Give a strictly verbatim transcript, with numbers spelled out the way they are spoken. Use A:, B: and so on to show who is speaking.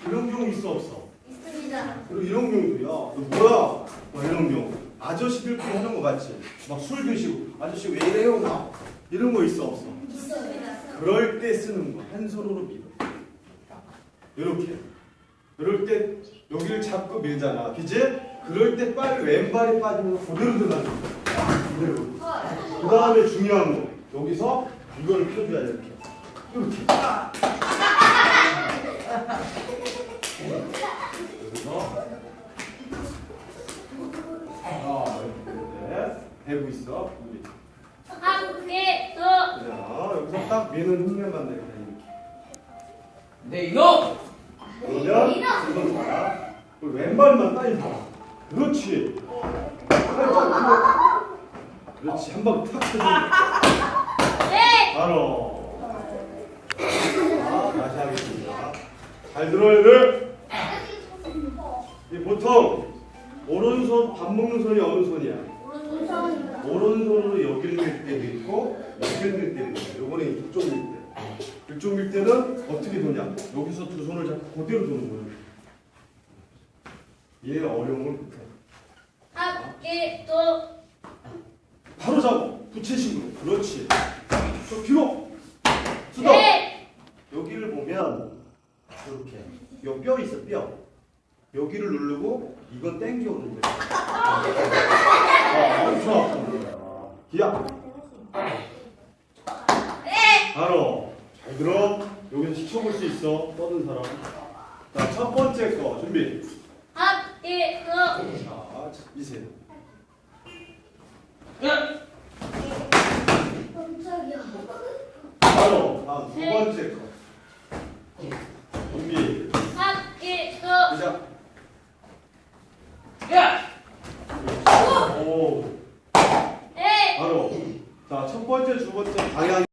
A: 이런 경우 있어 없어?
B: 있습니다.
A: 그리고 이런 경우도 야, 너 뭐야? 막 이런 경우. 아저씨들끼리 하는 거 같지? 막 술 드시고 아저씨 왜 이래요? 막 이런 거 있어 없어?
B: 있습니다.
A: 그럴 때 쓰는 거. 한 손으로 밀어. 이렇게. 그럴 때 여기를 잡고 밀잖아. 그지? 그럴 때 빨리 왼발이 빠지면서 그대로 들어가는 거야. 그대로. 그 다음에 중요한 거. 여기서 이걸 펴줘야 돼. 이렇게. 이렇게. 여기서. 아, 이렇게. 대고 있어. 우리.
B: 학계도
A: 자, 여기서 딱 미는 흉내만 내게 이렇게.
C: 네, 이놈!
A: 그러면 이건 봐라. 왼발만 따위 봐. 그렇지. 살짝 들어. 그렇지. 한 방 탁 쳐주는 거야.
B: 네.
A: 바로. 자, 다시 하겠습니다. 잘 들어야 돼. 이 보통 오른손 밥 먹는 손이 어느 손이야?
B: 오른손입니다.
A: 오른손으로 여기를 밀 때도 있고 여기를 밀 때도 있고 요번에 이쪽 밀 때. 이쪽 밀 때는 어떻게 도냐? 여기서 두 손을 잡고 그대로 도는 거예요. 얘 어려움을 못해.
B: 학계도
A: 바로 잡아. 부채식으로. 그렇지. 저 뒤로. 수도.
B: 네.
A: 여기를 보면 이렇게 요 뼈 있어 뼈. 여기를 누르고 이건 땡겨 오는 거야. 아, 엄청 아픈 거야. 기야.
B: 네.
A: 바로. 잘 들어. 여기서 시켜볼 수 있어. 떠든 사람. 자, 첫 번째 거 준비.
B: 학계도
A: 자, 이세.
C: 야!
B: 깜짝이야.
A: 바로 다음 두 번째 거. 준비.
B: 학계도
A: 시작.
C: 야!
A: 오.
B: 네.
A: 바로. 자, 첫 번째, 두 번째 방향.